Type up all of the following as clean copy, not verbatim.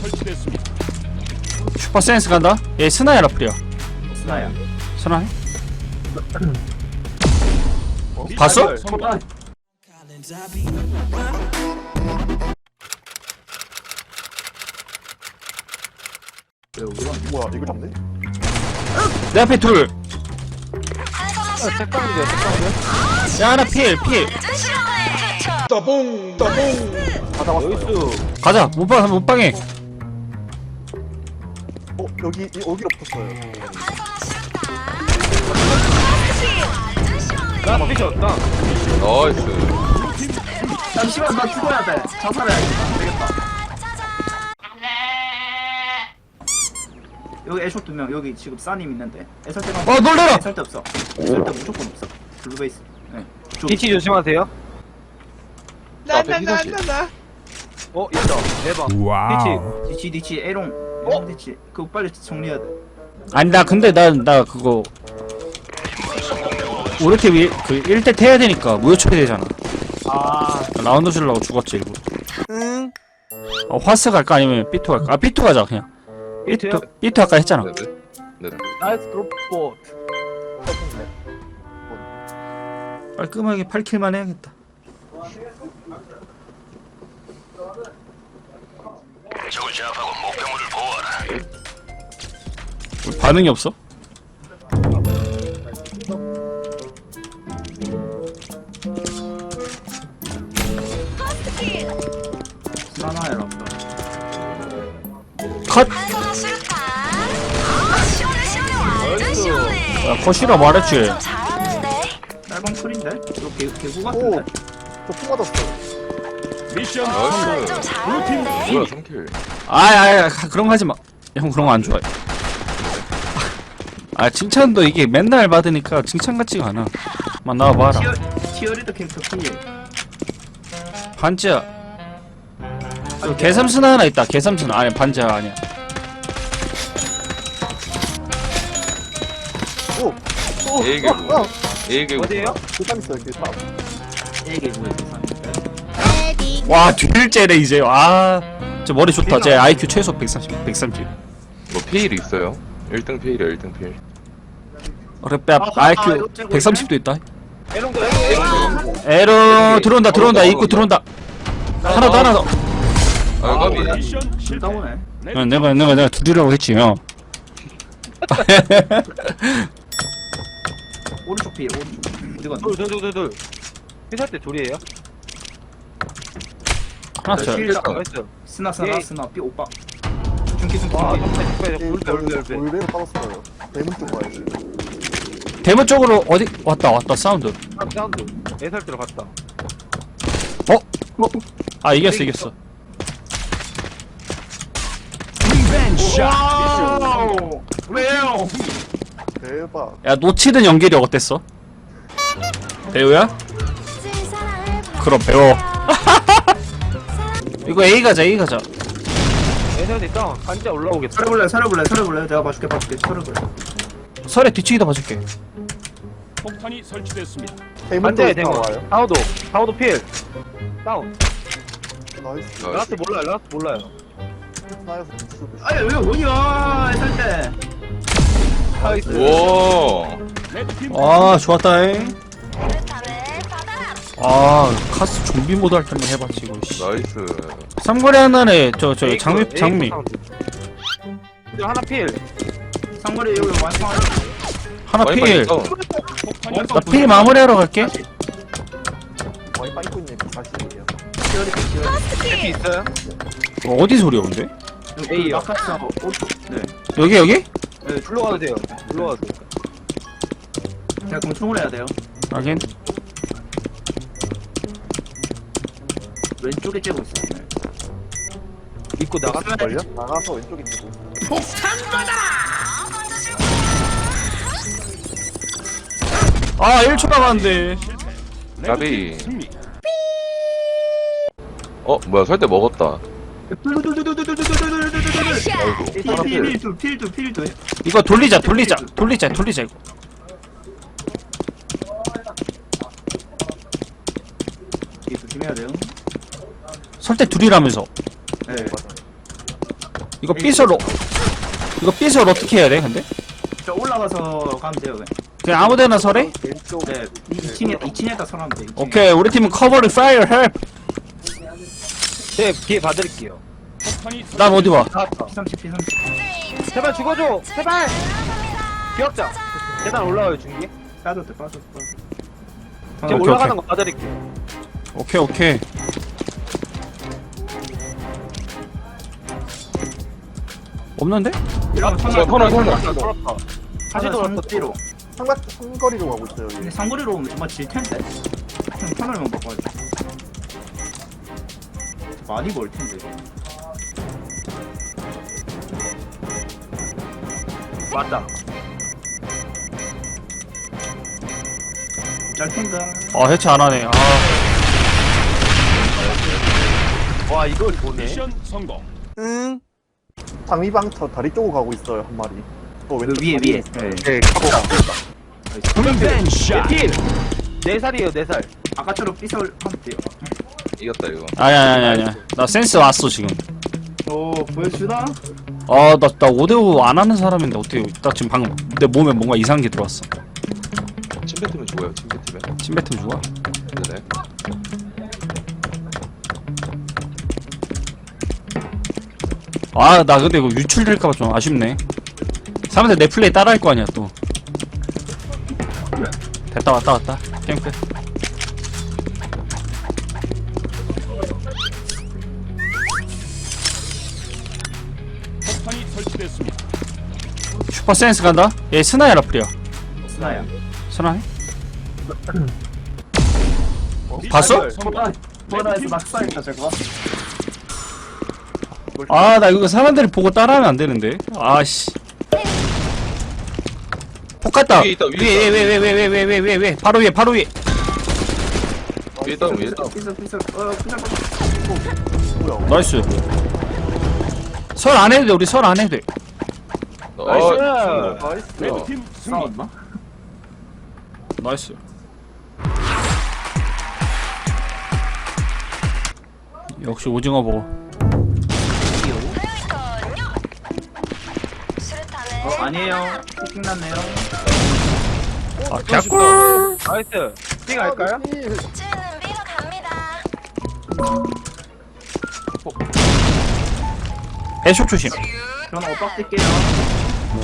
설치됐습니다. 슈퍼 센스 간다. 얘 스나야 라플이야. 스나야. 스나해? 봤어? 뭐야 이거 잡네? 내 앞에 둘. 색깔인데요 색깔인데? 야 하나 필. 따봉 따봉 다 잡았어요. 가자. 못방해. 여기로 붙었어요. 나 미쳤다. 나이스. 잠시만 나 죽어야 돼. 자살해야겠다. 안 되겠다. 여기 애쇼 2명 여기 지금 싸님 있는데 애설 때만 놀래라. 애설 때 없어. 애설 때 무조건 없어. 블루베이스. 네. 뒤치 조심하세요. 나나나나. 있다. 대박. 와우. 디치 에롱. 디치. 그거 빨리 정리해야 돼. 아니 나 근데 나 그거 우리 팀이 그 1대 해야 되니까 무효 처리되잖아. 라운드 주려고 죽었지 일부러. 응. 화스 갈까 아니면 삐투 갈까? 아 삐투 가자 그냥. 삐투요? 삐투 아까 했잖아. 네네. 나이스 드롭 스포트. 깔끔하게 8킬만 해야겠다. 적을 제압하고 목표물을 보호하라. 반응이 없어? 스나나야 랍다. 컷! 야 컷이라 말했지. 짧은 풀인데? 이거 개구 오! 같은데? 저풍 맞았어. 미션 나이스. 블루팀 뭐야 3킬. 아야 그런 거 하지 마. 형 그런 거 안 좋아해. 아 칭찬도 이게 맨날 받으니까 칭찬 같지가 않아. 막 나와봐라. 티어리더 캐릭터 피. 반지야. 개삼순 하나 있다. 개삼순 아니 반지야 아니야. A 개구. A 개구. 어디에요? 길쌈 있어요 길쌈. 에게 구해 주산. 와 듀일째래 이제. 저 머리 좋다. 제 IQ 최소 130. 뭐 페일 있어요? 1등 페일이야 1등 페일. 그래 빼 IQ 130도 있다. 에롱도 에러 들어온다. 입구 들어온다. 하나 더. 아 까비. 미션 실패. 나오네. 내가 둘이라고 했지 형. 오른쪽 피 오른쪽. 어디 갔나? 둘. 회사 때 둘이에요? 하나 더. 나이스. 스나 피 오빠. 중기. 와, 울배. 올배로 빠졌어요. 대문 쪽 가야지. 대문 쪽으로 어디 왔다 사운드. 사운드. 애설 때로 갔다. 아 이겼어. 와우. 왜요? 대박. 야 놓치는 연기력 어땠어? 배우야? 그럼 배워. 이거 A 가자. 애설 때 있다. 반지야 올라오겠다. 살려볼래? 내가 봐줄게. 살려볼래. 설에 뒤치기다 봐줄게. 폭탄이 설치됐습니다. 대문 반지야 쪽에 대문. 나와요. 사우도 필. 다운. 나이스. 라스트 몰라요. 나에서 수도 있어. 아니 왜 뭐냐 애살 때. 나이스. 와. 레드팀 좋았다잉. 카스 좀비 모드 할 때만 해봤지 이거. 나이스. 삼거리 하나에 저 장미 하나 필. 상거리 여기 완성. 하나 와이파이 필. 있어. 폭탄이 나 필 마무리하러 갈게. 와이 빠이코님 40이에요. 해피 있어요? 어디 소리야 근데? A요. 아카스하고 오른쪽. 네. 여기? 네, 불러가도 돼요. 불러가도 돼요. 제가 공총을 해야 돼요. 하긴. 왼쪽에 째고 있어. 네. 입고 나갔을걸요? 나가서 왼쪽에 있고. 아 1초 남았는데. 까비. 승리. 뭐야 설 때 먹었다. 아이고. 하나 필. 필드. 이거 돌리자 이거. 이게 조심해야 돼요. 설때 둘이라면서. 네. 이거 삐설 이거 삐설 어떻게 해야 돼 근데? 저 올라가서 가면 돼요. 그냥. 그냥 아무데나 설해? 왼쪽. 네, 2층에다 설하면 돼. 2층에. 오케이 우리 팀은 커버를 파이어 헬프. 제 뒤에 봐드릴게요. 폭탄이 난 어디 봐? 나왔다. P30. 제발 죽어줘. 제발. 기억자. 계단 올라와요 중기. 빠졌대. 제가 오케이, 올라가는 오케이. 거 봐드릴게요. 오케이 오케이. 없는데? 이러면 터널. 돌았다. 다시 돌았어. 뒤로. 삼거리로 가고 있어요. 근데 여기. 상거리로 오면 정말 질 텐데. 그냥 터널만 바꿔야 돼. 많이 멀 텐데. 맞다. 짤 텐가. 아 해체 안 하네. 아 와 이걸 보네. 미션 성공. 응. 상위방터 다리 쪽으로 가고 있어요 한 마리. 또 왼쪽 위에. 다리. 네. 샷. 필. 4살이에요 4살. 아까처럼 삐설 하면 돼요. 이겼다 이거. 아니야. 나 센스 왔어 지금. 오, 보여주나? 나 5대5 안 하는 사람인데 어떻게 딱 지금 방금 내 몸에 뭔가 이상한 게 들어왔어. 침 뱉으면 죽어요. 침 뱉으면. 침 뱉으면 좋아. 네. 나 근데 이거 유출될까봐 좀 아쉽네. 사람들 내 플레이 따라할 거 아니야 또. 됐다 왔다. 게임 끝. 폭탄이 설치됐습니다. 슈퍼 센스 간다. 얘 스나야 라플이야. 스나야. 스나해? 봤어? 미션 성공. 보라에서 낙사했다 저거. 나 이거 사람들이 보고 따라하면 안 되는데. 아씨. 폭 갔다. 위에 있다, 위에 왜 바로 위에. 위에 있다. 삐설. 그냥 뭐야? 나이스. 설 안 해도 돼. 우리 설 안 해도 돼. 나이스. 나이스. 레드팀 승리. 싸웠나? 나이스. 역시 오징어 버거. 아니에요. 폭킹 났네요. 개꿀. 나이스. 삐 갈까요? 쟤는 B로 갑니다. 배쇼 조심. 저는 엇박 뛸게요.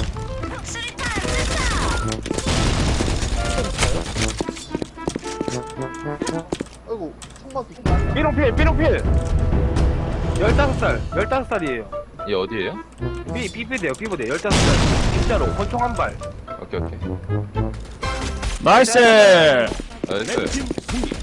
아이고 천막이. 삐롱필. 15살. 15살이에요. 얘 어디에요? 삐부대요. 15살. 진짜로. 권총 한 발. 오케이. 나이스. 나이스. 레드팀 승리.